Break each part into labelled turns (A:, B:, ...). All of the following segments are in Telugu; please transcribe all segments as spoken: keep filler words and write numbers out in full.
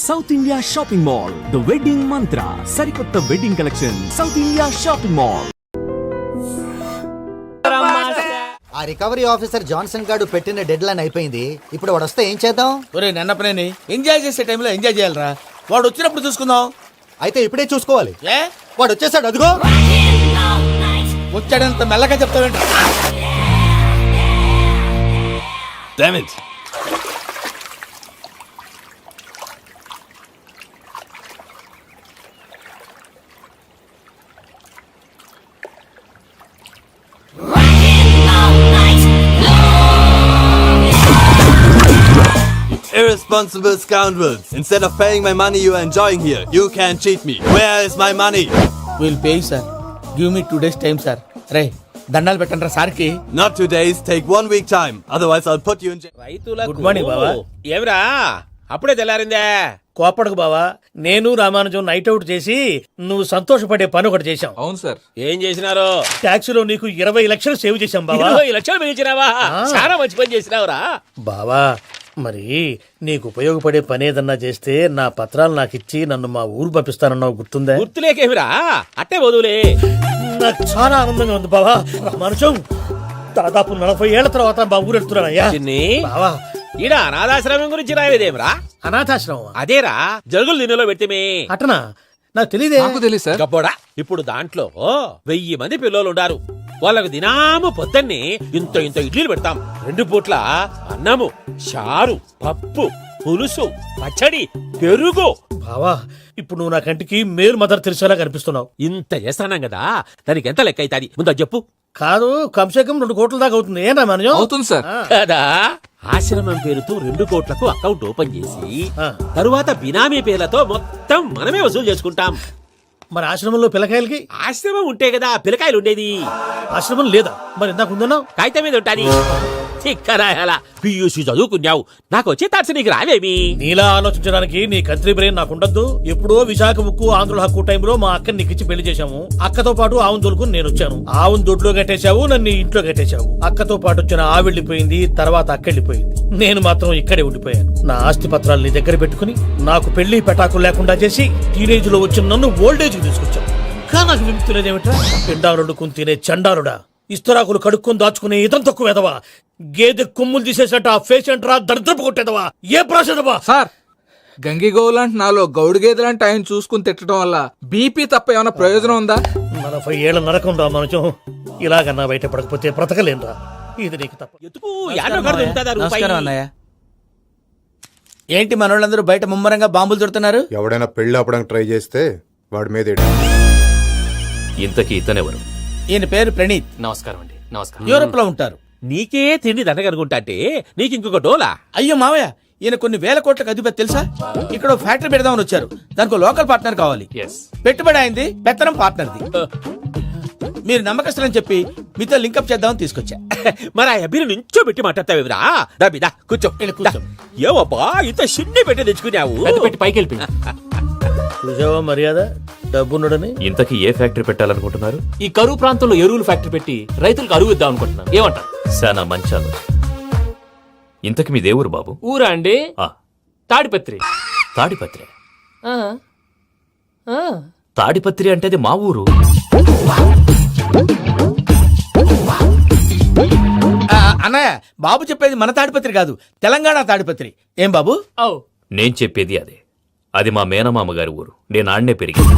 A: South India shopping mall, the wedding Mantra, సరికొత్త wedding collection, South India shopping mall.
B: ఆ రికవరీ ఆఫీసర్ జాన్సన్ గారు పెట్టిన డెడ్ లైన్ అయిపోయింది. ఇప్పుడు వాడు వస్తే ఏం చేద్దాం?
C: ఒరే నన్నపనేని ఎంజాయ్ చేసే టైంలో ఎంజాయ్ చేయాలరా. వాడు వచ్చినప్పుడు చూసుకుందాం.
B: అయితే ఇప్పుడే చూసుకోవాలి.
C: ఏ
B: వాడు వచ్చేసాడు, అదిగో.
C: వచ్చాడంత మెల్లగా చెప్తావేంట?
D: Damn it. Irresponsible scoundrels. Instead of paying my money you are enjoying here, you can cheat me. Where is my money?
C: Will pay sir. Give me two days time sir. రే దండాలు పెట్టండి సార్కి.
D: Not two days, take one week time. Otherwise I'll put you in jail.
C: Good morning బావా.
E: ఏమిరా అప్పుడే తెల్లారిందే?
C: కోపడకు బావా, నేను రామానుజం నైట్ అవుట్ చేసి నువ్వు సంతోషపడే పని ఒకటి చేశాం.
F: అవును సార్.
E: ఏం చేసినారు?
C: ట్యాక్సీలో నీకు ఇరవై లక్షలు సేవ్ చేశాం బావా.
E: ఇరవై లక్షలు మిగిల్చినావా? చాలా మంచి పని చేసినావురా
C: బావా. మరి నీకు ఉపయోగపడే పని ఏదన్నా చేస్తే నా పత్రాలు నాకు ఇచ్చి నన్ను మా ఊరు పంపిస్తానన్నావు, గుర్తుందా?
E: గుర్తులేకేమిరా, అట్టే వదులే.
C: నాకు చాలా ఆనందంగా ఉంది బావా. రామానుజం, దాదాపు నలభై ఏళ్ల తర్వాత మా ఊరు వెళ్తున్నానయ్యా.
E: చిన్ని
C: బావా,
E: ఈడ అనాథాశ్రమం గురించి రాయలేదేమిరా?
C: అనాథాశ్రమం
E: అదేరా, జరుగులు దీనిలో పెట్టిమే.
C: అటనా? నాకు తెలియదే.
F: నాకు తెలియదు సార్.
E: గబ్బోడా, ఇప్పుడు దాంట్లో వెయ్యి మంది పిల్లలు ఉండారు. వాళ్ళకు దినాము పొద్దున్నే ఇంత ఇంత ఇడ్లీలు పెడతాం. రెండు పూట్ల అన్నము, చారు, పప్పు, పులుసు, పచ్చడి, పెరుగు.
C: బావా, ఇప్పుడు నువ్వు నా కంటికి మేలు మదర్ తెలిసేలా కనిపిస్తున్నావు.
E: ఇంత చేస్తానం కదా, దానికి ఎంత లెక్క అవుతుంది ముందు చెప్పు.
C: కాదు, కంసకం రెండు కోట్ల దాకా అవుతుంది. ఏనా మనజం?
F: అవుతుంది సార్.
E: కదా, ఆశ్రమం పేరుతో రెండు కోట్లకు అకౌంట్ ఓపెన్ చేసి
C: ఆ.
E: తరువాత బినామీ పేర్లతో మొత్తం మనమే వసూలు చేసుకుంటాం.
C: మరి ఆశ్రమంలో పిల్లకాయలకి?
E: ఆశ్రమం ఉంటే కదా పిల్లకాయలు ఉండేది.
C: ఆశ్రమం లేదా? మరి ఇందాక ఉందన్నావు.
E: కాగితం మీద ఉంటాది. చిక్కరాయాల పియూసీ చదువుకున్నావు, నాకు వచ్చే తాట్స్ నీకు రావేమి?
C: నీలా ఆలోచించడానికి నీ కంత్రి బ్రెయిన్ నాకు ఉండద్దు. ఎప్పుడో విశాఖ ముక్కు ఆంధ్రుల హక్కు టైంలో మా అక్కని నీకిచ్చి పెళ్లి చేశాము. అక్కతో పాటు ఆవును దొడుకుని నేను వచ్చాను. ఆవును దొడ్లో కట్టేశావు, నన్ను ఇంట్లో కట్టేశావు. అక్కతో పాటు వచ్చిన ఆవిళ్ళిపోయింది, తర్వాత అక్కెళ్ళిపోయింది. నేను మాత్రం ఇక్కడే ఉండిపోయాను. నా ఆస్తి పత్రాలు నీ దగ్గర పెట్టుకుని నాకు పెళ్లి పెటాకులు లేకుండా చేసి టీనేజ్ లో వచ్చిన నన్ను ఓల్డేజ్ కి తీసుకొచ్చావు. ఇంకా నాకు విముక్తి లేదేమిట్రా? పిండారుడుకుని తినే చండారుడా, ఇస్తరాకులు కడుక్కొని దాచుకునే ఇతం తక్కువ ఎదవా, గేదె కొమ్ములు తీసేసట ఆ పేషెంట్ రా దరిద్రపు కొట్టేదవా, ఏ ప్రాసెదవా?
F: సార్, గంగి గోవులాంటి నాలో గౌడు గేదెలాంటి ఆయన చూసుకుని తిట్టడం వల్ల బీపీ తప్ప ఏమైనా ప్రయోజనం ఉందా?
C: నలభై ఏళ్ల నరకం రా మనచం. ఇలాగన్నా బయట పడకపోతే బ్రతకలేనురా. ఇది నీకు తప్ప.
E: ఎందుకు యాడో కాడ దొరుకుతుందా రూపాయి?
G: నమస్కారం అన్నయ్య. ఏంటి మనోళ్ళందరూ బయట ముమ్మరంగా బాంబులు దొరుకుతున్నారు?
H: ఎవడైనా పెళ్లి ఆపడానికి ట్రై చేస్తే వాడి మీద ఎడి.
I: ఇంతకీ ఇతనెవరు?
G: ఈయన పేరు ప్రణీత్.
I: నమస్కారం అండి. నమస్కారం.
G: యూరోప్ లో ఉంటారు.
E: నీకే తిండి దండగనుకుంటా అంటే నీకు ఇంకొక డోలా?
G: అయ్యో మావయ్య, ఈయన కొన్ని వేల కోట్లకు అధిపతి తెలుసా? ఇక్కడ ఓ ఫ్యాక్టరీ పెడదామని వచ్చారు. దానికి లోకల్ పార్ట్నర్ కావాలి.
I: ఎస్.
G: పెట్టుబడి అయింది, పెత్తనం పార్ట్నర్ది. మీరు నమ్మకస్తులని చెప్పి మీతో లింకప్ చేద్దామని తీసుకొచ్చా.
E: మరి ఆ అబ్బిని నుంచో పెట్టి మాట్లాడతావేమిరా? దాబిదా కూర్చో.
G: కూర్చో.
E: ఏవబ్బా ఇంత షిన్ని పెట్టి తెచ్చుకున్నావు?
I: పెద్ద పెట్టి పైకి వెళ్ళి
C: చూసావా మర్యాద, డబ్బున్నడని.
I: ఇంతకీ ఏ ఫ్యాక్టరీ పెట్టాలనుకుంటున్నారు? ఈ కరువు ప్రాంతంలో ఎరువులు ఫ్యాక్టరీ పెట్టి రైతులకు అరువు ఇద్దాం అనుకుంటున్నాను. ఏమంటారు? శానా మంచి ఆలోచన. ఇంతకి మీ దేవురు బాబు?
J: ఊరా అండి?
I: ఆ,
J: తాడిపత్రి.
I: తాడిపత్రి.
J: ఆ, ఆ.
I: తాడిపత్రి అంటే అది మా ఊరు.
G: ఆ, అన్నయ్య, బాబు చెప్పేది మన తాడిపత్రి కాదు, తెలంగాణ తాడిపత్రి. ఏం బాబు?
J: ఔ.
I: నేను చెప్పేది అదే. అది మా మేనమామ గారి ఊరు. నేను ఆడనే పెరిగింది.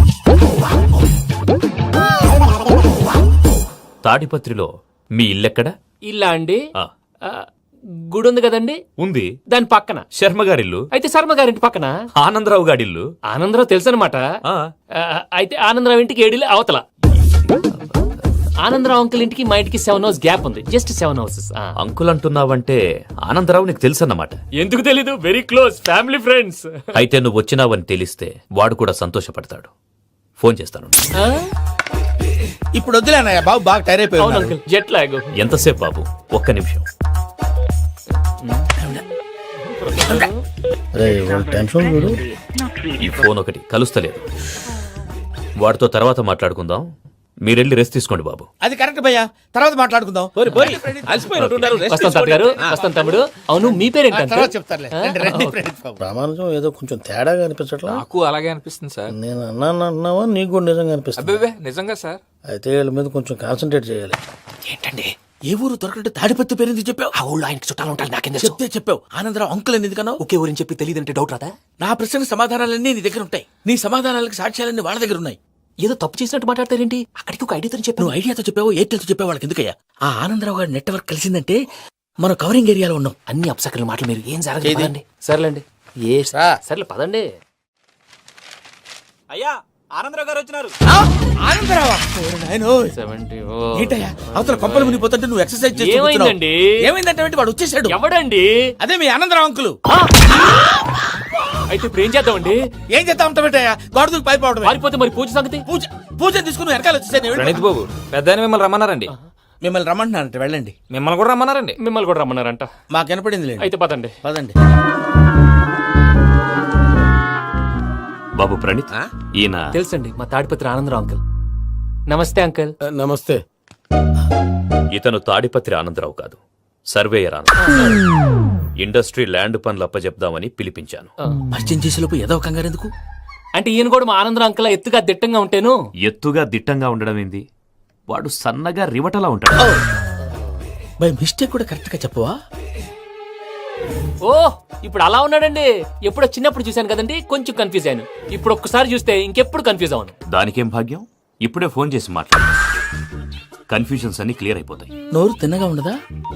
I: తాడిపత్రిలో మీ ఇల్లెక్కడ?
J: ఇల్లా అండి?
I: ఆ,
J: ఆ, గుడి ఉంది కదండి,
I: ఉంది.
J: దాని పక్కన.
I: శర్మ గారిల్లు.
J: అయితే శర్మ గారింటి పక్కన
I: ఆనందరావు గారిల్లు.
J: ఆనందరావు తెలుసు అనమాట.
I: ఆ.
J: అయితే ఆనందరావు ఇంటికి ఏడిలే అవతల. ఆనందరావు అంకుల్ ఇంటికి మా ఇంటికి సెవెన్ హౌస్ గ్యాప్ ఉంది. Just seven houses.
I: అంకుల్ అంటున్నావంటే ఆనందరావు నీకు తెలుసన్నమాట.
J: ఎందుకు తెలీదు? Very close family friends.
I: అయితే నువ్వు వచ్చినావని తెలిస్తే వాడు కూడా సంతోషపడతాడు. ఫోన్ చేస్తాను.
G: ఇప్పుడు వద్దులే అన్నయ్య, బాబు బాగా టైర్
J: అవును
G: అయిపోయాడు.
J: Uncle, jet lag.
I: ఎంతసేపు బాబు? ఒక్క నిమిషం.
C: టెన్షన్ చూడు.
I: ఈ ఫోన్ ఒకటి కలుస్తలేదు. వాడితో తర్వాత మాట్లాడుకుందాం. మీరెళ్ళి రెస్ట్ తీసుకోండి బాబు.
G: అది కరెక్ట్ భయ్యా, తర్వాత మాట్లాడుకుందాం.
E: పోరి పోరి అలసిపోయినట్టున్నారు. Rest
J: వస్తాం తాత గారు, వస్తాం తమ్ముడు. అవును మీ
G: ఆ,
J: పేరేంటి
G: తర్వాత
J: అంకుల్?
G: చెప్తారులే. రండి, రండి, ప్రణీత్ బాబు. రామానుజం ఏదో కొంచెం తేడాగా అనిపించట్లా.
F: నాకు అలాగే అనిపిస్తుంది సార్.
G: నేను అన్నాను అన్నావా, నీకు కూడా నిజంగా అనిపిస్తుంది.
F: అబ్బే నిజంగా సార్.
G: అయితే వీళ్ళ మీద కొంచెం కాన్సన్ట్రేట్ చేయాలి.
J: ఏంటండి
G: ఏ ఊరు దొరకట్టు తాడిపత్రి పేరు ఎందుకు చెప్పావు?
J: ఆ ఊళ్ళో ఆయనకి చుట్టాలు ఉంటారు, నాకేం
G: చెప్తే చెప్పావు. ఆనందరావు అంకుల్ అని ఎందుకన్నావు?
J: ఒకే ఊరిని చెప్పి తెలియదంటే డౌట్ రాదా?
G: నా ప్రశ్నకు సమాధానాలన్నీ నీ దగ్గర ఉంటాయి. నీ సమాధానాలకు సాక్ష్యాలన్నీ వాళ్ళ దగ్గర ఉన్నాయి.
J: ఏదో తప్పు చేసినట్టు మాట్లాడతారేంటి? అక్కడికి ఒక ఐడియాతో చెప్పాను.
G: నువ్వు ఐడియాతో చెప్పావు, ఎయిర్టెల్తో చెప్పావు, వాళ్ళకి ఎందుకయ్యా? ఆ ఆనందరావు గారి నెట్వర్క్ కలిసిందంటే మనం కవరింగ్ ఏరియాలో ఉన్నాం.
J: అన్ని అప్సకల మాటలు మీరు ఏం జరగదండి. సర్లేండి, ఏ సర్లే పదండి.
I: అయ్యా ఆనందరావు గారు వచ్చినారు.
G: ఆనందరావా? ఓరి నాయనో.
J: సెవెంటీ
G: ఏంటయ్యా అవతల కొంపలు మునిగిపోతుంటే నువ్వు ఎక్సర్సైజ్ చేస్తూ కూర్చున్నావు.
J: ఏమైందండి?
G: ఏమైందంటే వాడు వచ్చేసాడు.
J: ఎవడండి?
G: అదే మీ ఆనందరావు అంకులు.
J: అయితే ఇప్పుడు ఏం చేద్దామండి?
G: ఏం చేస్తా ఉంటా పెట్టాయా? గోడకు పైపోవడం.
J: పారిపోతే మరి పూజ సంగతి?
G: పూజ పూజ తీసుకుని వెనకాల వచ్చేసాను.
F: ప్రణీత్ బాబు, పెద్ద మిమ్మల్ని రమ్మన్నారండి.
G: మిమ్మల్ని రమ్మంటున్నానంట, వెళ్ళండి.
F: మిమ్మల్ని కూడా రమ్మన్నారండి.
J: మిమ్మల్ని కూడా రమ్మన్నారంట.
G: మాకు వినపడింది లేదు.
J: అయితే పదండి.
G: పదండి.
I: బాబు ప్రణీత్, ఈయన
J: తెలుసండి, మా తాడిపత్రి ఆనందరావు అంకుల్. నమస్తే అంకుల్.
C: నమస్తే.
I: ఇతను తాడిపత్రి ఆనందరావు కాదు, సర్వేయర్ ఆనందరావు. ఇండస్ట్రీ ల్యాండ్ పనులు అప్పచెప్దామని పిలిపించాను.
G: పరిచయం చేసేలోపు ఏదో కంగారు ఎందుకు?
J: అంటే ఈయన కూడా మా ఆనందరావు అంకుల్ ఎత్తుగా దిట్టంగా ఉంటాను.
I: ఎత్తుగా దిట్టంగా ఉండడం ఏంది, వాడు సన్నగా రివటలా ఉంటాడు.
G: బై మిస్టేక్ కూడా కరెక్ట్ గా చెప్పవా?
J: ఓ ఇప్పుడు అలా ఉన్నాడండి. ఎప్పుడో చిన్నప్పుడు చూశాను కదండి, కొంచెం కన్ఫ్యూజ్ అయ్యాను. ఇప్పుడు ఒక్కసారి చూస్తే ఇంకెప్పుడు కన్ఫ్యూజ్ అవ్వను.
I: దానికేం భాగ్యం, ఇప్పుడే ఫోన్ చేసి మాట్లాడు. కన్ఫ్యూజన్స్ అన్ని క్లియర్ అయిపోతాయి.
G: నోరు తిన్నగా ఉండదా?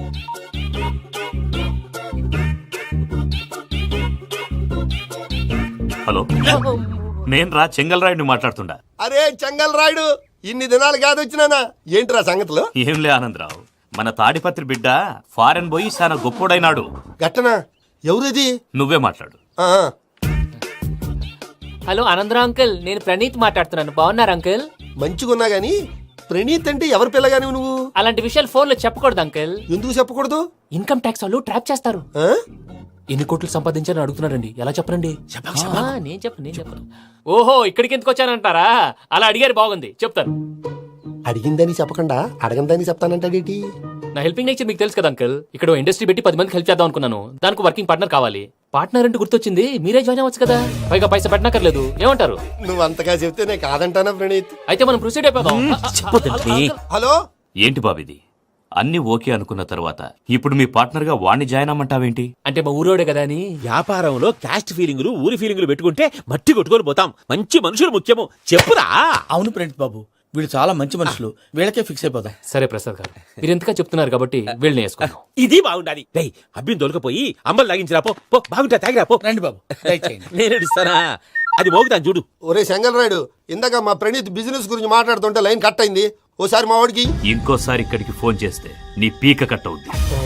I: హలో, నేను రా చెంగల్రాయుడిని మాట్లాడుతుండా.
D: అరే చెంగల్ రాయుడు, ఇన్ని దినాలు కాదు వచ్చినానా? ఏంట్రా సంగతులు?
I: ఏంలే ఆనందరావు, మన తాడిపత్రి బిడ్డ ఫారెన్ పోయి చాలా గొప్పోడైనాడు.
D: గట్టనా? ఎవరిది?
I: నువ్వే మాట్లాడు.
D: ఆ,
J: హలో ఆనందరావు అంకుల్, నేను ప్రణీత్ మాట్లాడుతున్నాను. బాగున్నారు అంకుల్?
D: మంచిగున్నా గాని ప్రణీత్ అంటే ఎవరి పిల్లగాని నువ్వు?
J: అలాంటి విషయాలు ఫోన్ లో చెప్పకూడదు అంకుల్.
D: ఎందుకు చెప్పకూడదు?
J: ఇన్కమ్ ట్యాక్స్ వాళ్ళు ట్రాప్ చేస్తారు.
D: ఆ?
J: ఎన్ని కోట్లు సంపాదించాలని అడుగుతున్నారండి. ఎలా చెప్పరండి? ఆ, నేను చెప్పను నేను చెప్పను. ఓహో ఇక్కడికి ఎందుకు వచ్చానంటారా? అలా అడిగారు, బాగుంది, చెప్తాను.
D: అడిగిందని చెప్పకుండా అడగందని చెప్తానంటాడేటి?
J: నా హెల్పింగ్ నేచర్ మీకు తెలుసు కదా అంకుల్. ఇక్కడ ఓ ఇండస్ట్రీ పెట్టి పది మందికి హెల్ప్ చేద్దాం అనుకున్నాను. దానికి వర్కింగ్ పార్ట్నర్ కావాలి. పార్ట్నర్ అంటే గుర్తొచ్చింది, మీరే జాయిన్ అవ్వచ్చు కదా. పైగా పైసా పెట్టనక్కర్లేదు. ఏమంటారు?
D: నువ్వు అంతగా చెప్తేనే కాదంటానా ప్రణీత్?
J: అయితే మనం ప్రొసీడ్ అయిపోదాం.
D: హలో,
I: ఏంటి బాబిది, అన్ని ఓకే అనుకున్న తర్వాత ఇప్పుడు మీ పార్ట్నర్ గా వాణ్ణి జాయిన్ అమ్మంటావేంటి?
J: అంటే మా ఊరోడే కదా అని.
E: వ్యాపారంలో క్యాస్ట్ ఫీలింగులు ఊరి ఫీలింగులు పెట్టుకుంటే మట్టి కొట్టుకొని పోతాం. మంచి మనుషులు ముఖ్యము, చెప్పురా.
G: అవును ప్రణీత్ బాబు, వీళ్ళు చాలా మంచి మనుషులు. వీళ్ళకే ఫిక్స్ అయిపోదాం.
J: సరే ప్రసాద్ గారు, మీరు ఎంతగా చెప్తున్నారు కాబట్టి వీళ్ళని వేసుకుందాం.
E: ఇది బాగుండాలి. డై అబ్బిని దొలకపోయి అమ్మలు లాగించిరా పో. పో బాగుంటా, తాగిరా పో.
G: రండి బాబు, దయచేయండి.
E: నేను ఇస్తానా? అది మోగుతాను చూడు.
D: ఒరే చెంగల్ రాయుడు, ఇందాక మా ప్రణీత్ బిజినెస్ గురించి మాట్లాడుతుంటే లైన్ కట్ అయింది. ఓసారి మా వాడికి
I: ఇంకోసారి ఇక్కడికి ఫోన్ చేస్తే నీ పీక కట్ అవుద్ది.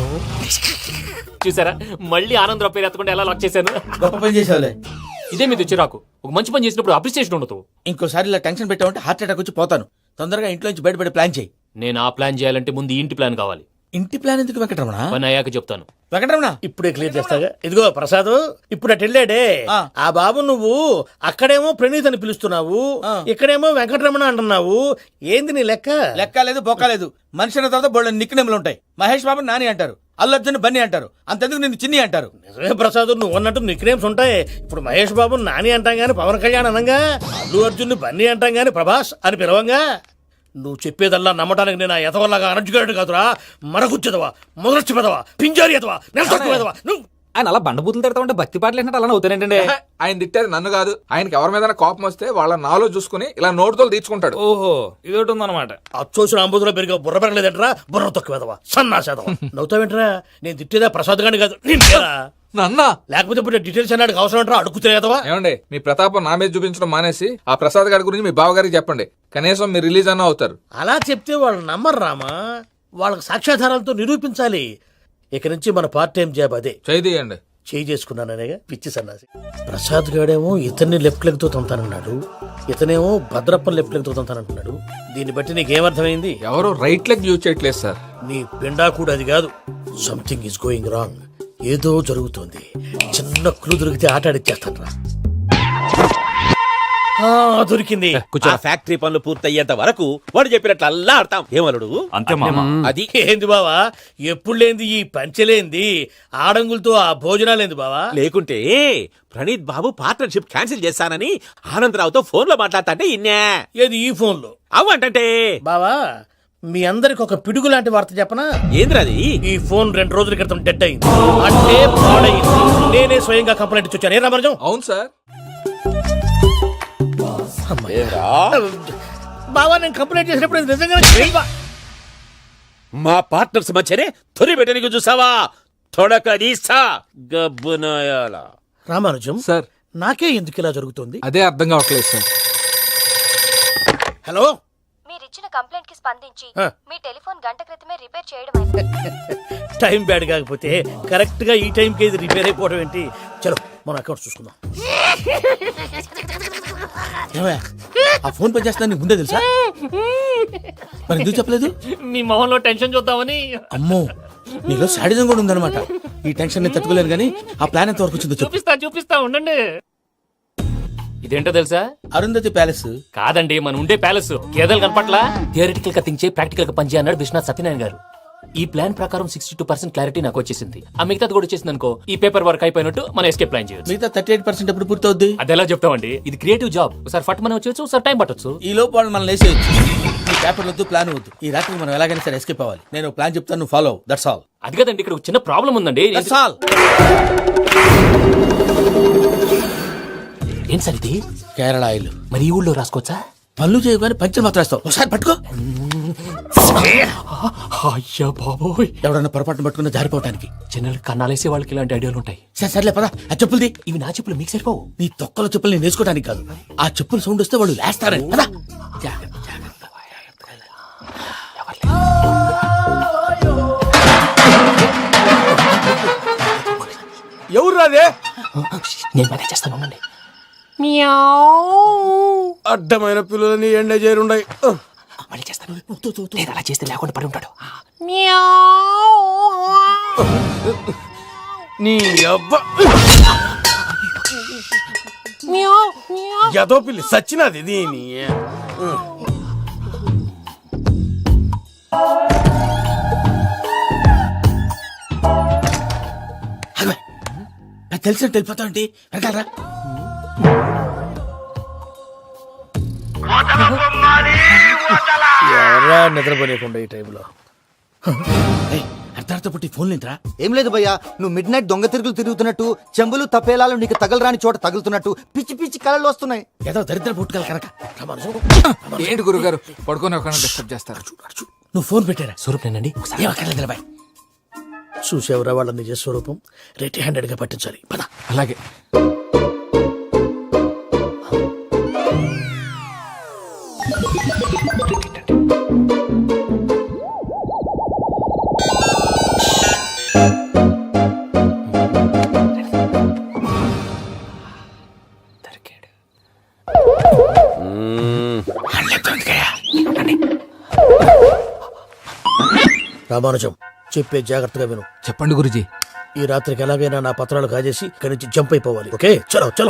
J: చూసారా, మళ్ళీ ఆనందరావు పేరు ఎత్తకుండా ఎలా లాక్ చేశాను.
G: గొప్ప పని చేసేవాళ్ళే.
J: ఇదే మీద చిరాకు. ఒక మంచి పని చేసినప్పుడు అప్రిసియేషన్ ఉండదు.
G: ఇంకోసారి ఇలా టెన్షన్ పెట్టామంటే హార్ట్ అటాక్ వచ్చి పోతాను. తొందరగా ఇంట్లో నుంచి బయటపడే ప్లాన్ చేయి.
J: నేను ఆ ప్లాన్ చేయాలంటే ముందు ఈ ఇంటి ప్లాన్ కావాలి.
G: ఇంటి ప్లాన్ ఎందుకు వెంకటరమణ?
J: పని అయ్యాక చెప్తాను.
G: వెంకటరమణ
C: ఇప్పుడే క్లియర్ చేస్తాగా. ఇదిగో ప్రసాద్, ఇప్పుడు అటు వెళ్ళాడే
G: ఆ.
C: ఆ బాబు, నువ్వు అక్కడేమో ప్రణీత్ అని పిలుస్తున్నావు,
G: ఆ.
C: ఇక్కడేమో వెంకటరమణ అంటున్నావు. ఏంది నీ లెక్క?
G: లెక్క లేదు, బొక్క లేదు. మనిషి అన్న తర్వాత బోళ్ళ నిక్నెములు ఉంటాయి. మహేష్ బాబు నాని అంటారు, అల్లు అర్జున్ బన్నీ అంటారు, అంతెందుకు నిన్ను చిన్ని అంటారు.
C: నిజమే ప్రసాద్, నువ్వు అన్నట్టు నిక్నేమ్స్ ఉంటాయి. ఇప్పుడు మహేష్ బాబు నాని అంటాం గాని పవన్ కళ్యాణ్ అనంగా, అల్లు అర్జున్ బన్నీ అంటాం గాని ప్రభాస్ అని పిలవంగా. నువ్వు చెప్పేదల్లా నమ్మటానికి నేను ఎతవల్లాగా అనర్జుగాడు కాదురా. మరగుచ్చదవా, మొదలచ్చి పెదవా, పింజారి ఎదవా, నెలసొక్కు పెదవా నువ్వు.
F: ఆయన అలా బండబూతులు తిడతా ఉంటే భక్తి పాటలు ఏంటంటే అలా అవుతానంటే. ఆయన తిట్టేది నన్ను కాదు. ఆయనకి ఎవరి మీద కోపం వస్తే వాళ్ళ నాలో చూసుకుని ఇలా నోటుతో తీర్చుకుంటాడు. ఓహో ఇదొకటి ఉందన్నమాట.
C: అచ్చోసిన అంబుదులో పెరిగా బుర్ర పెరగలేదంటరా, బుర్ర తొక్కు వెదవా, సన్నాసేదవా. నవ్వుతావేంట్రా? నేను తిట్టేదా ప్రసాద్ గాని కాదు నిన్నేరా.
F: నన్న
C: లేకపోతే ఇప్పుడు డీటెయిల్స్ అన్నాడు అవసరం అంటారా? అడుగుతులేదవా.
F: ఏమండి, మీ ప్రతాపం నా మీద చూపించడం మానేసి ఆ ప్రసాద్ గారి గురించి మీ బావగారికి చెప్పండి. కనీసం మీరు రిలీజ్ అన్న అవుతారు.
C: అలా చెప్తే వాళ్ళు నమ్మరు రామా. వాళ్ళకి సాక్ష్యాధారాలతో నిరూపించాలి. ఇక నుంచి మన పార్ట్ టైం జాబ్ అదే.
F: చేయండి.
C: చేయి చేసుకున్నాననేగా పిచ్చి సన్నాసి. ప్రసాద్ గాడేమో ఇతన్ని లెఫ్ట్ లెగ్ తో తొంతానన్నాడు, ఇతనేమో భద్రప్పని లెఫ్ట్ లెగ్ తో తొంతానంటున్నాడు. దీన్ని బట్టి నీకేమర్థమైంది?
F: ఎవరు రైట్ లెగ్ యూజ్ చేయట్లేదు సార్.
C: నీ పిండా కూడా అది కాదు. Something is going wrong. ఏదో జరుగుతోంది. చిన్న క్లూ దొరికితే ఆట ఆడిచ్చేస్తాను రా. ఆ, దొరికింది.
E: ఆ ఫ్యాక్టరీ పనులు పూర్తయ్యేంత వరకు వాడు చెప్పినట్లు అల్లా ఆడతాం ఏమలుడు
I: అంతే మామ
E: అది
C: ఏంది బావా ఎప్పుడు లేంది ఈ పంచలేంది ఆడంగులతో ఆ భోజనాలేంది బావా?
E: లేకుంటే ప్రణీత్ బాబు పార్ట్నర్షిప్ క్యాన్సిల్ చేస్తానని ఆనందరావుతో ఫోన్ లో మాట్లాడతాంటే ఇన్నే
C: ఏది ఈ ఫోన్ లో?
E: అవు అంటే
C: బావా మీ అందరికి ఒక పిడుగు లాంటి వార్త చెప్పనా?
E: ఏంద్రది?
C: ఈ ఫోన్ రెండు రోజుల క్రితం డెడ్ అయింది, అంటే పాడైంది. నేనే స్వయంగా కంప్లైంట్ ఇచ్చి వచ్చాను. ఏ రామరాజం?
F: అవును సార్.
C: బావా నేను కంప్లైంట్ చేసినప్పుడు ఇది నిజంగా
E: మా పార్ట్నర్స్ మధ్యనే తొలి పెట్టడానికి చూసావా? తొడక నీసా గబ్బునాయాల.
C: రామానుజం
F: సార్
C: నాకే ఎందుకు ఇలా జరుగుతుంది?
F: అదే అర్థం కావట్లేదు సార్.
C: హలో,
K: మీరిచ్చిన కంప్లైంట్ కి స్పందించి
C: ఆ.
K: మీ టెలిఫోన్ గంట క్రితమే రిపేర్ చేయడం అయింది.
C: టైం బ్యాడ్ కాకపోతే కరెక్ట్ గా ఈ టైంకి ఇది రిపేర్ అయిపోవడం ఏంటి? చలో మన అకౌంట్ చూసుకుందాం. ఏమయ్య, ఆ ఫోన్ పని చేస్తున్నా నీకు ముందే తెలుసా? మరి ఎందుకు చెప్పలేదు?
J: మీ మొహంలో టెన్షన్ చూద్దామని.
C: అమ్మో, నీలో శాడిజం కూడా ఉందన్నమాట. ఈ టెన్షన్ నేను తట్టుకోలేను కానీ ఆ ప్లాన్ ఎంత వరకు వచ్చిందో చెప్పు.
J: చూపిస్తా చూపిస్తా ఉండండి. ఇదేంటో తెలుసా?
C: అరుంధతి ప్యాలెస్
J: కాదండి, మన ఉండే ప్యాలెస్. గేదెలు కనపట్లా? థియరిటికల్ గా థింక్ చేయి, ప్రాక్టికల్ గా పనిచేయ అన్నాడు విశ్వనాథ్ సత్యనారాయణ గారు. ఈ ప్లాన్ ప్రకారం సిక్స్టీ టూ పర్సెంట్ క్లారిటీ నాకు వచ్చేసింది. ఆ మిగతాది కూడా వచ్చేసింది అనుకో, ఈ పేపర్ వర్క్ అయిపోయినట్టు మనం ఎస్కేప్ ప్లాన్ చేయొచ్చు.
C: మిగతా థర్టీ ఎయిట్ పర్సెంట్ ఎప్పుడు పూర్తవుద్ది?
J: అది ఎలా చెప్తామండి? ఇది క్రియేటివ్ జాబ్. ఒకసారి ఫట్ మనం వచ్చేయచ్చు, ఒకసారి టైం పట్టొచ్చు.
C: ఈ లోపు వాళ్ళు మనం లేసేయచ్చు. ఈ పేపర్ వద్దు, ప్లాన్ వద్దు. ఈ రాత్రి మనం ఎలాగైనా సరే ఎస్కేప్ అవ్వాలి. నేను ప్లాన్ చెప్తాను, నువ్వు ఫాలో. That's all.
J: అది కదండి, ఇక్కడ ఒక చిన్న ప్రాబ్లం ఉందండి.
C: That's all.
J: ఏం సార్ ఇది?
C: కేరళ ఆయిల్.
J: మరి ఈ ఊళ్ళో రాసుకోవచ్చా?
C: పనులు చేయగానే పంచర్ మాత్రం వేస్తావు. ఒకసారి పట్టుకో.
J: అయ్యా బాబోయ్,
C: ఎవడన్నా పొరపాటున పట్టుకున్న జారిపోవటానికి.
J: జనరల్ కన్నాలేసే వాళ్ళకి ఇలాంటి ఐడియాలు ఉంటాయి.
C: సరే సర్లే పదా, ఆ చెప్పులది.
J: ఇవి నా చెప్పులు మీకు సరిపోవు.
C: నీ తొక్కల చెప్పులు నేను వేసుకోవడానికి కాదు, ఆ చెప్పులు సౌండ్ వస్తే వాళ్ళు లేస్తారని. పదా, జాగ్రత్త జాగ్రత్త.
G: ఎవరు రాదే?
J: నేను మేనేజ్ చేస్తాను, ఉండండి.
G: అడ్డమైన పిల్లలని ఎండ చేరుండయి.
J: మళ్ళీ చేస్తాను. లేదు, అలా చేస్తే లేకుండా పడి ఉంటాడు.
G: నీ అబ్బా ఎదో పిల్లి సచ్చినది దీని.
C: తెలిసినట్టు వెళ్ళిపోతావు ఏంటి? వెనకాలరా. ఎవరా నిద్రపోలేకుండా ఈ టైంలో? అర్ధార్థ పుట్టి ఫోన్ లేంట్రా?
B: ఏం లేదు భయ్యా, నువ్వు మిడ్ నైట్ దొంగ తిరుగులు తిరుగుతున్నట్టు, చెంబులు తపేలాలు నీకు తగలరాని చోట తగులుతున్నట్టు పిచ్చి పిచ్చి కళలు వస్తున్నాయి.
C: ఏదో దరిద్ర పుట్టుకల కనుక.
F: ఏంటి గురుగారు పడుకొని ఒక డిస్టర్బ్ చేస్తారు?
C: నువ్వు ఫోన్ పెట్టారా?
J: స్వరూపేనండి.
C: ఏమక్కర్లేదు బాయ్. చూసేవరా వాళ్ళ నిజ స్వరూపం. రెట్టి హ్యాండెడ్ గా పట్టించాలి. పద.
F: అలాగే.
C: రామానుజం చెప్పే జాగ్రత్తగా విను.
F: చెప్పండి గురుజీ.
C: ఈ రాత్రికి ఎలాగైనా నా పత్రాలు కాజేసి ఇక్కడి నుంచి జంప్ అయిపోవాలి. ఓకే, చలో చలో.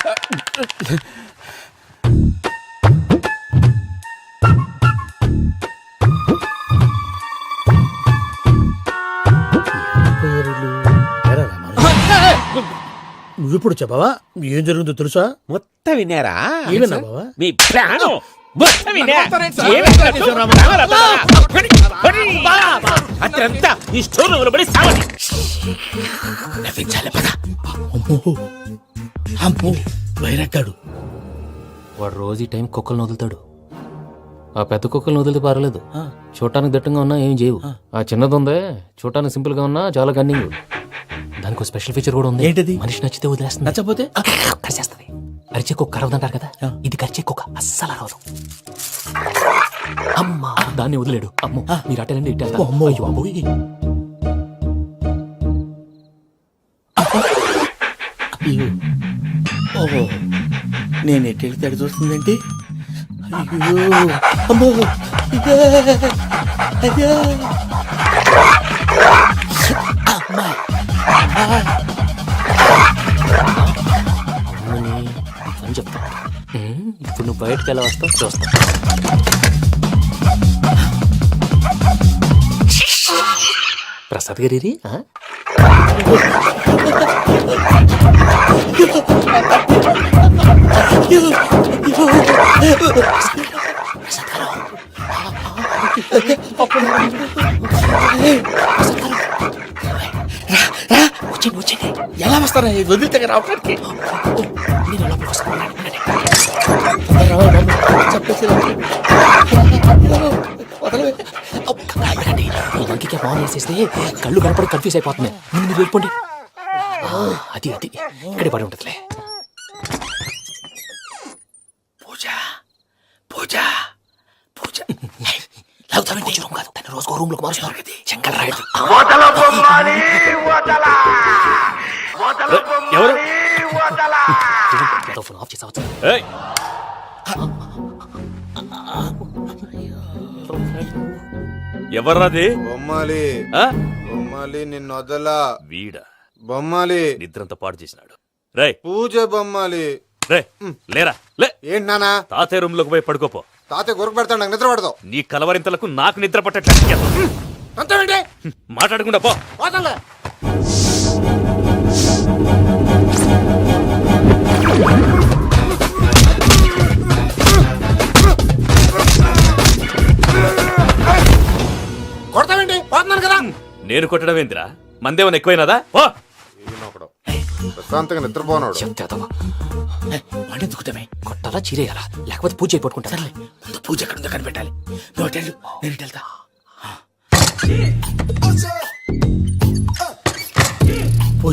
C: నువ్విప్పుడు చెప్పవా ఏం జరుగుతుందో తెలుసా?
E: మొత్తం విన్నారా?
C: ఏమన్నా బావా?
E: మీ ప్రాణం మొత్తం విన్నా. అత్రంతా ఈ స్టోర్ రూమ్ లో పడి సావండి.
C: నవ్వించాలి. పద. అమ్మో అమ్మో, వైరక్కాడు.
J: వాడు రోజు ఈ టైం కుక్కలను వదులుతాడు. ఆ పెద్ద కుక్కలను వదిలితే పర్లేదు, చూడటానికి దట్టంగా ఉన్నా ఏం చేయవు. ఆ చిన్నది ఉందే, చూడటానికి సింపుల్ గా ఉన్నా చాలా గన్నింగ్. దానికి స్పెషల్ ఫీచర్ కూడా ఉంది.
C: ఏంటిది?
J: మనిషి నచ్చితే వదిలేస్తుంది,
C: నచ్చపోతే
J: కరిచేస్తుంది. అరిచే కుక్క అరవదంటారు కదా, ఇది కరిచే కుక్క అస్సలు అరవదు. అమ్మా, దాన్ని వదిలేడు. అమ్మో, మీరు అటెండి ఇట్టే.
C: అమ్మో.
J: అయ్యో అబ్బోయ్.
C: ఓహో, నేను ఎట్టి వెళ్తే అడి చూస్తుందేంటి? అయ్యో అమ్మో, ఇదే అయ్యో అమ్మా.
J: అని చెప్తా. ఉమ్, ఇప్పుడు నువ్వు బయటకు ఎలా వస్తావు చూస్తా. ప్రసాద్ గారి
G: ఎలా వస్తారా వదిలితే రావడానికి
J: ఈ లంకికి ఫోన్ వేసేస్తే కళ్ళు కనపడి కన్ఫ్యూజ్ అయిపోతున్నాయి. ముందు మీరు వెళ్ళిపోండి. అది అది ఇక్కడే పడి ఉంటుందిలే.
G: పూజ పూజ పూజ
J: రూమ్ కాదు, తన రోజుకో రూమ్ లోకి మారుస్తున్నారు కదా. శంకర్ రాయుడు
I: ఎవరు
J: ఫోన్ ఆఫ్ చేసావచ్చు.
I: ఏయ్! ఎవర్రాది?
H: బొమ్మాలి
I: ఆ?
H: బొమ్మాలి నిన్ను వదలా.
I: వీడా
H: బొమ్మాలి
I: నిద్రంతా పాడు చేసినాడు. రేయ్
H: పూజ బొమ్మాలి.
I: రే లేరా లే.
H: ఏంటి నానా?
I: తాతయ్య రూమ్ లోకి పోయి పడుకోపో.
H: తాతయ్య గొరకు పెడతాడు, నాకు నిద్ర పడతావు.
I: నీ కలవరింతలకు నాకు నిద్ర పట్టట్లేదు.
H: అంతేంటి?
I: మాట్లాడకుండా పో.
H: పోతాలే. కొడతావేంటి? పోతున్నాను కదా.
I: నేను కొట్టడం ఏందిరా? మందేమన్నా ఎక్కువైనదా? పో.
H: ఈయనొకడు ప్రశాంతంగా నిద్రపోనాడు.
J: చెప్తావా
G: వాడిని దుక్కుతామే
J: కొట్టాలా చీరేయాలా లేకపోతే పూజ అయిపోట్టుకుంటా.
G: సర్లే ముందు పూజ ఎక్కడ ఉందో కనిపెట్టాలి. నువ్వు అటు వెళ్ళు, నేను ఇటు వెళ్తా. పూజ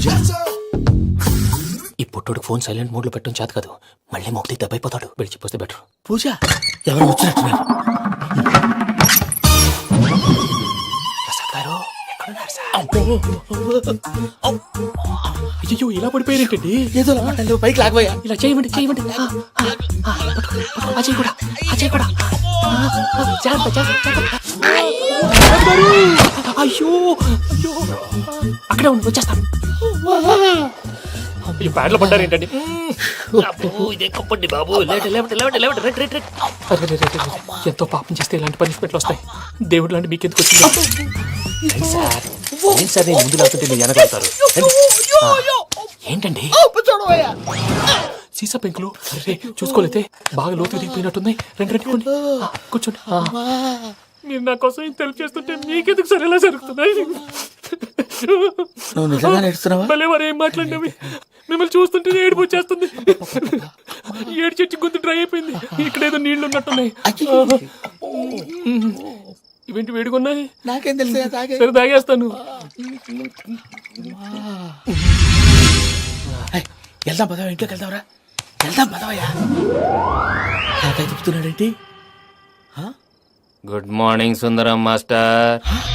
J: ఈ పుట్టోడు ఫోన్ సైలెంట్ మోడ్ లో పెట్టడం చేత కాదు. మళ్ళీ మొక్కటి దెబ్బైపోతాడు. వెళ్ళి చెప్పొస్తే బెటర్.
G: పూజ ఎవరు వచ్చినట్టున్నారు?
J: ప్రసాద్ గారు ఎక్కడున్నారు సార్?
G: అయ్యో ఇలా పడిపోయారేంటండి? ఏదో మాటలు పైకి లాగబోయా.
J: ఇలా చేయమండి చేయమండి. ఆ, ఆ, ఆ, పట్టుకో, పట్టుకో. ఆ చెయ్యి కూడా ఆ చెయ్యి కూడా. ఆ, ఆ, జాగ్రత్త, జాగ్రత్త, జాగ్రత్త. అయ్యో అయ్యో అక్కడే ఉండి వచ్చేస్తాను. ఈ బ్యాడ్లో పడ్డారు ఏంటండి? ఇదే కప్పండి బాబు. లేవండి, లేవండి, లేవండి, లేవండి. Red red red. అరే, రే, రే, రే. ఎంతో పాపం చేస్తే ఇలాంటి పనిష్మెంట్లు వస్తాయి. దేవుడు లాంటి మీకు ఎందుకు వచ్చింది? సార్ ఏం సార్ నేను ముందు లేకుంటే మీరు వెనకడతారు. ఏంటండి సీసా పెంకులు? అరే చూసుకోలేతే బాగా లోతు దిగిపోయినట్టున్నాయి. రెండు రెండు కొన్ని కూర్చోండి. మీరు నా కోసం ఇంత హెల్ప్ చేస్తుంటే మీకెందుకు సరే ఎలా జరుగుతున్నాయి?
G: నువ్వు నిజంగా నేర్చుతున్నావా?
J: మళ్ళీ మరి ఏం మాట్లాడినవి? మిమ్మల్ని చూస్తుంటే ఏడుపు వచ్చేస్తుంది. ఏడు చెట్టు గొంతు డ్రై అయిపోయింది. ఇక్కడ ఏదో నీళ్లు ఉన్నట్టున్నాయి. ఇవేంటి వేడుకున్నాయి?
G: నాకేం తెలుసు,
J: సరే తాగేస్తాను.
G: వెళ్దాం పదవా, ఇంట్లోకి వెళ్దాంరా. వెళ్దాం పదవయ్యా. నాకై చెప్తున్నాడేంటి?
J: Good morning Sundaram master.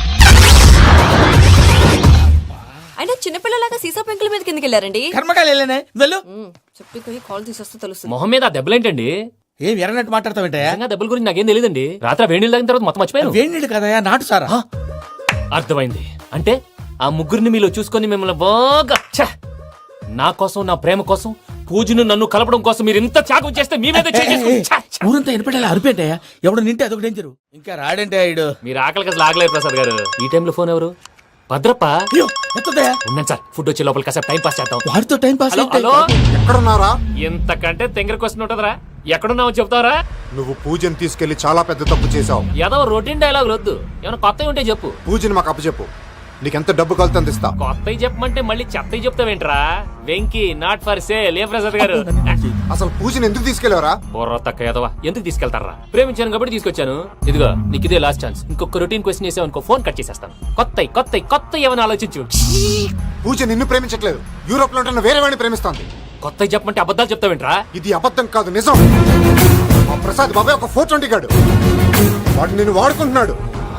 K: అయినా చిన్నపిల్లలాగా సీసా పెంకుల మీద కిందకి వెళ్ళారండి.
G: కర్మకాయలు వెళ్ళానే వెళ్ళు.
K: చెప్పి కాల్ తీసొస్తే తెలుస్తుంది.
J: మొహం మీద ఆ దెబ్బలేంటండి?
G: ఏం ఎర్రనట్టు మాట్లాడతావేంటయా?
J: నిజంగా దెబ్బల గురించి నాకేం తెలియదండి. రాత్రి వేడి నీళ్ళు తాగిన తర్వాత మొత్తం మర్చిపోయాను.
G: వేడి నీళ్ళు కదయా, నాటు సారా.
J: అర్థమైంది. అంటే ఆ ముగ్గురిని మీలో చూసుకొని మిమ్మల్ని బాగా ఛ! నా కోసం నా ప్రేమ కోసం పూజను నన్ను కలపడం కోసం మీరు ఇంత త్యాగం చేస్తే మీ మీద చేయి చేసుకుని ఛ! ఛ!
G: ఊరంతా ఎనపడేలా అరిపేంటయా? ఎవడు నింటే అదొక డేంజరు. ఇంకా రాడంటే ఇడు.
J: మీరు ఆకలికి అసలు ఆగలేరు ప్రసాద్ గారు. ఈ టైంలో ఫోన్ ఎవరు? భద్రప్ప.
G: అయ్యో ఎత్తదయా.
J: ఉన్నాను సార్, ఫుడ్ వచ్చే లోపల కాసేపు టైం పాస్ చేద్దాం.
G: వాడితో టైం పాస్.
J: హలో హలో,
H: ఎక్కడున్నారా?
J: ఇంతకంటే తెంగర క్వశ్చన్ ఉంటుందిరా. ఎక్కడున్నావో చెప్తావరా?
H: నువ్వు పూజని తీసుకెళ్లి చాలా పెద్ద తప్పు చేశావు.
J: ఏదో రొటీన్ డైలాగ్ వద్దు, ఏమైనా కొత్తవి ఉంటే చెప్పు.
H: పూజని మాకు అప్పచెప్పు. నీకెంత డబ్బు కలితే అందిస్తా.
J: కొత్తవి చెప్పమంటే మళ్ళీ చెత్తవి చెప్తావేంట్రా? Venky not for sale. ఏ ప్రసాద్ గారు
H: అసలు పూజని ఎందుకు తీసుకెళ్లేవరా?
J: బొర్ర తక్క ఏదవా, ఎందుకు తీసుకెళ్తారా? ప్రేమించాను కాబట్టి తీసుకొచ్చాను. ఇదిగో నీకు ఇదే లాస్ట్ ఛాన్స్. ఇంకొక రొటీన్ క్వశ్చన్ చేసావు అనుకో, ఫోన్ కట్ చేసేస్తాను. కొత్త కొత్త కొత్త ఏమైనా ఆలోచించు.
H: పూజ నిన్ను ప్రేమించట్లేదు, యూరోప్ లో ఉంటున్న వేరే వాడిని ప్రేమిస్తాంది.
J: కొత్త చెప్పమంటే అబద్ధాలు చెప్తావేంట్రా?
H: ఇది అబద్ధం కాదు, నిజం. మా ప్రసాద్ బాబాయ్ ఒక ఫోర్ ట్వంటీ గాడు, వాడు నిన్ను వాడుకుంటున్నాడు.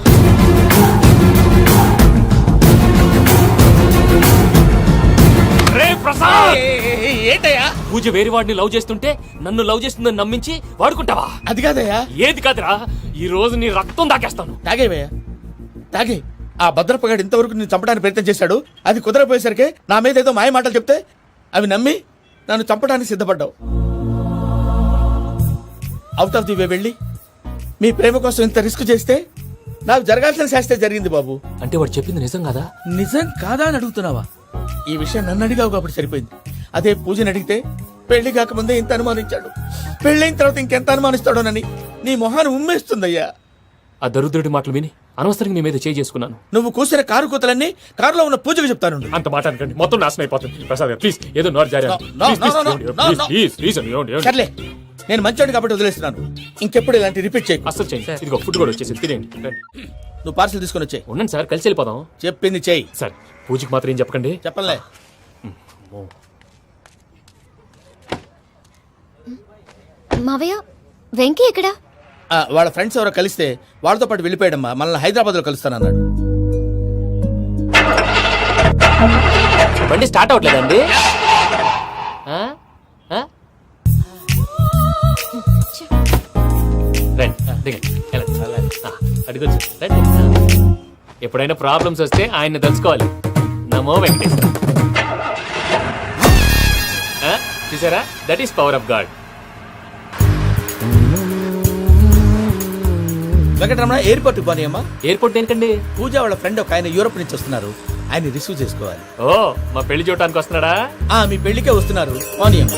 G: ఏంటయ్యా?
J: పూజ వేరే వాడిని లవ్ చేస్తుంటే నన్ను లవ్ చేస్తుందని నమ్మించి వాడుకుంటావా?
G: అది కాదయ్యా.
J: ఏది కాదురా, ఈ రోజు నీ రక్తం దాకేస్తాను.
G: తాగేవయ్యా, తాగే. ఆ భద్రపగాడు ఇంతవరకు నేను చంపడానికి ప్రయత్నం చేశాడు. అది కుదరపోయేసరికి నా మీద ఏదో మాయ మాటలు చెప్తే అవి నమ్మి నన్ను చంపడానికి సిద్ధపడ్డావు. అవుట్ ఆఫ్ ది వే వెళ్ళి మీ ప్రేమ కోసం ఇంత రిస్క్ చేస్తే నాకు జరగాల్సిన శాస్త్రే జరిగింది బాబు.
J: అంటే వాడు చెప్పింది నిజం కదా?
G: నిజం కాదా అని అడుగుతున్నావా? ఈ విషయం నన్ను అడిగావు కాబట్టి సరిపోయింది. అదే పూజని అడిగితే పెళ్లి కాకముందే ఇంత అనుమానించాడు, పెళ్ళైన తర్వాత ఇంకెంత అనుమానిస్తాడోనని నీ మొహాన్ని ఉమ్మేస్తుందయ్యా.
J: ఆ దరిద్రుడి మాటలు విని అనవసరంగా మీ మీద చేయి చేసుకున్నాను.
G: నువ్వు కూసిన కారు కూతలన్నీ కారులో ఉన్న పూజకు చెప్తాను.
J: అంత మాట అనకండి, మొత్తం నాశనం అయిపోతుంది. ప్రసాద్ గారు ప్లీజ్ ఏదో నోరు జారీ
G: No, no, no, no, no, no, no. సర్లే, నేను మంచోడు కాబట్టి వదిలేస్తున్నాను. ఇంకెప్పుడు ఇలాంటి రిపీట్ చేయకు.
J: అసలు చేయండి. ఇదిగో ఫుడ్ కూడా వచ్చేసి తినేయండి. రండి.
G: నువ్వు పార్సల్ తీసుకొని వచ్చాయి.
J: ఉండండి సార్, కలిసి వెళ్ళిపోదాం.
G: చెప్పింది చెయ్యి.
J: సార్ పూజకి మాత్రం ఏం చెప్పకండి.
G: చెప్పలే.
K: మావయ్య వెంకీ ఎక్కడా?
G: ఆ, వాళ్ళ ఫ్రెండ్స్ ఎవరో కలిస్తే వాళ్ళతో పాటు వెళ్ళిపోయాడమ్మా. మనల్ని హైదరాబాద్ లో కలుస్తానన్నాడు.
J: బండి స్టార్ట్ అవ్వట్లేదండి. ఆ? ఆ? రండి దిగండి, వెళ్ళండి. ఆ, అడుగొచ్చు రండి. ఎప్పుడైనా ప్రాబ్లమ్స్ వస్తే ఆయన్ని తెలుసుకోవాలి. నమో వెంకటేశ్వర. ఆ? చూసారా, that is power of God.
G: Venkataramana airport పోనీ అమ్మా.
J: ఎయిర్పోర్ట్ దేనికండి?
G: పూజ వాళ్ళ ఫ్రెండ్ ఒక ఆయన యూరోప్ నుంచి వస్తున్నారు, ఆయన రిసీవ్ చేసుకోవాలి.
J: ఓ, మా పెళ్లి చూడటానికి వస్తున్నాడా?
G: ఆ మీ పెళ్లికే వస్తున్నారు. పోనీ అమ్మా.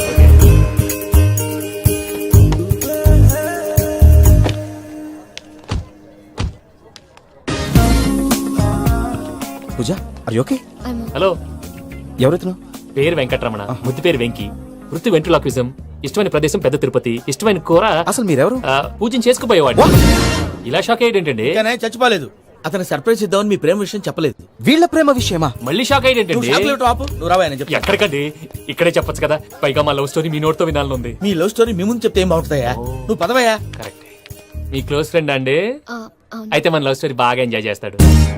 A: Pooja are you okay?
J: Hello,
A: ఎవరైతును?
J: పేరు వెంకటరమణ, ముద్దు పేరు వెంకి, వృత్తి వెంట్రులాక్విజం, ఇష్టమైన ప్రదేశం పెద్ద తిరుపతి, ఇష్టమైన కూర.
A: అసలు మీరెవరు?
J: ఆ, పూజను చేసుకుపోయేవాడు. ఇలా షాక్ అయ్యేటండి.
G: కానీ చచ్చిపోలేదు. అతను సర్ప్రైజ్ ఇద్దామని మీ ప్రేమ విషయం చెప్పలేదు.
A: వీళ్ళ ప్రేమ విషయమా?
J: మళ్ళీ షాక్
G: నువ్వు
J: అయ్యేటండి.
G: షాక్ లేవు ఆపు. నువ్వు రావా చెప్పి.
J: ఎక్కడికండి, ఇక్కడే చెప్పొచ్చు కదా. పైగా మా లవ్ స్టోరీ మీ నోటితో వినాలని ఉంది.
G: మీ లవ్ స్టోరీ మీ ముందు చెప్తే ఏం బాగుంటుందయ్యా? నువ్వు పదవయ్యా.
J: కరెక్ట్. మీ క్లోజ్ ఫ్రెండ్ అండి? అయితే మన లవ్ స్టోరీ బాగా ఎంజాయ్ చేస్తాడు.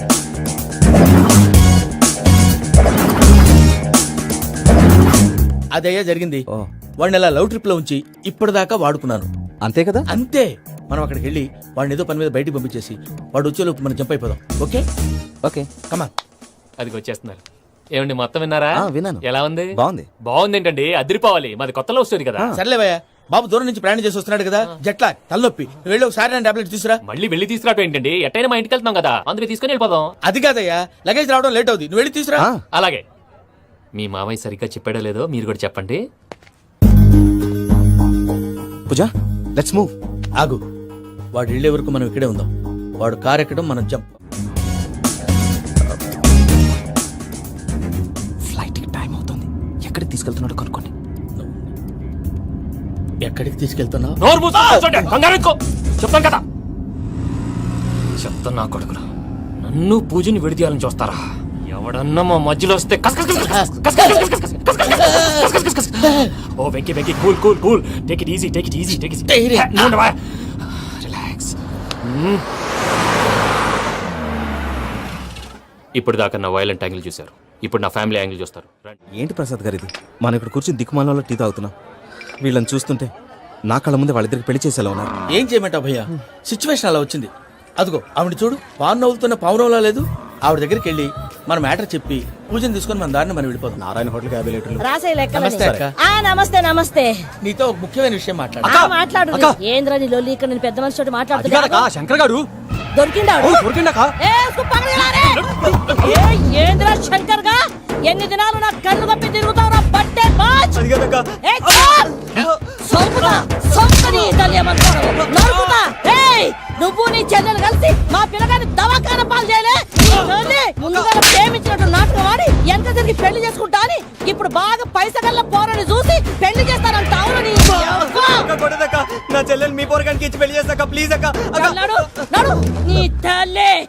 G: అదయ్యా జరిగింది. వాడిని అలా లవ్ ట్రిప్ లో ఉంచి ఇప్పటిదాకా వాడుకున్నాను.
A: అంతే కదా?
G: అంతే. మనం అక్కడికి వెళ్ళి వాడిని ఏదో పని మీద బయటికి పంపించేసి వాడు వచ్చేలోపు మనం జంప్ అయిపోదాం. ఓకే
A: ఓకే
G: కమా.
J: అది వచ్చేస్తున్నారు. ఏమండి, మొత్తం విన్నారా?
A: ఆ, విన్నాను.
J: ఎలా ఉంది?
A: బాగుంది.
J: బాగుంది ఏంటండి, అదిరిపోవాలి. మాది కొత్త లవ్ స్టోరీ కదా.
G: సర్లేవయ్యా, బాబు దూరం నుంచి ప్రయాణం చేసి వస్తున్నాడు కదా, జట్లా తలనొప్పి. నువ్వు వెళ్ళి ఒకసారి టాబ్లెట్ తీసురా.
J: మళ్ళీ వెళ్ళి తీసుకురావటం ఏంటండి? ఎట్టైనా మా ఇంటికి వెళ్తున్నాం కదా, అందుకే తీసుకుని వెళ్ళిపోదాం.
G: అది కాదయ్యా, లగేజ్ రావడం లేట్ అవుతుంది. నువ్వు వెళ్ళి తీసురా.
A: ఆ,
J: అలాగే. మీ మావయ్య సరిగ్గా చెప్పాడో లేదో మీరు కూడా చెప్పండి.
A: Pooja let's move.
G: ఆగు, వాడు వెళ్ళే వరకు మనం ఇక్కడే ఉందాం. వాడు కార్ ఎక్కడం, మనం జంప్.
A: ఫ్లైట్ కి టైం అవుతుంది. ఎక్కడికి తీసుకెళ్తున్నాడో కనుక్కోండి.
G: ఎక్కడికి తీసుకెళ్తున్నావు?
J: నోరు మూసుకొని కూర్చోండి, కంగారు ఎక్కువ. చెప్తాను కదా. చెప్తాను నా కొడుకులు, నన్ను పూజని విడిదీయాలని చూస్తారా? ఎవడన్నా మా మధ్యలో వస్తే కస్ కస్ కస్ కస్ కస్ కస్ కస్ కస్ కస్ కస్ కస్ కస్ కస్. ఓ Venky Venky, cool cool cool, take it easy take it easy take it easy. Relax. ఇప్పుడు దాకా నా వైలెంట్ యాంగిల్ చూశారు, ఇప్పుడు నా ఫ్యామిలీ యాంగిల్ చూస్తారు. రండి.
A: ఏంటి ప్రసాద్ గారు ఇది? మనం ఇక్కడ కూర్చొని దిక్కుమాలలో టీ తాగుతున్నాం. వీళ్ళని చూస్తుంటే నా కళ్ళ ముందే వాళ్ళిద్దరికి పెళ్లి చేసేలా ఉన్నారు.
G: ఏం చేయమంటావు భయ్యా, సిచ్యువేషన్ అలా వచ్చింది. అదిగో ఆవిడ చూడు, పావు నవ్వుతున్న పావునవ్వులా లేదు. ఆవిడ దగ్గరికి వెళ్ళి మన మ్యాటర్ చెప్పి పూజను తీసుకొని మన దారిని మనం వెళ్ళిపోతాం.
A: నారాయణ హోటల్ యాభై లీటర్లు.
G: నమస్తే అక్క.
L: ఆ నమస్తే నమస్తే.
G: నీతో ఒక ముఖ్యమైన విషయం మాట్లాడు.
L: ఆ, మాట్లాడు. ఏంద్రా నీ లొల్లి? ఇక్కడ నేను పెద్ద మనిషితో మాట్లాడుతున్నా.
A: శంకర్ గారు
L: దొరికిందా?
A: దొరికిందాకా?
L: ఏ, సుబ్బమ్మగారే! ఏ, ఏంద్రా శంకర్ గా? ఎన్ని దినాలు నా కళ్ళు కప్పి తిరుగుతావు బట్టే బాచ్. ఏ, చాల్! సంపుతా, సంపని తల్లియమంటారు. నరుకుతా. ఏయ్, నువ్వు నీ చెల్లెలు కలిసి మా పిల్లగాని దవాఖాన పాలు చేయలే. నీ తల్లి ముందుగా ప్రేమించినట్టు నాటకం ఆడి ఎంత తిరిగి పెళ్లి చేసుకుంటా అని ఇప్పుడు బాగా పైసగల్ల పోరని చూసి పెళ్లి చేస్తానంట. అవును నీ
A: నా చెల్లెలు మీ పోరగానికి ఇచ్చి పెళ్లి చేస్తాక ప్లీజ్ అక్క.
L: నడు, నడు. నీ తల్లి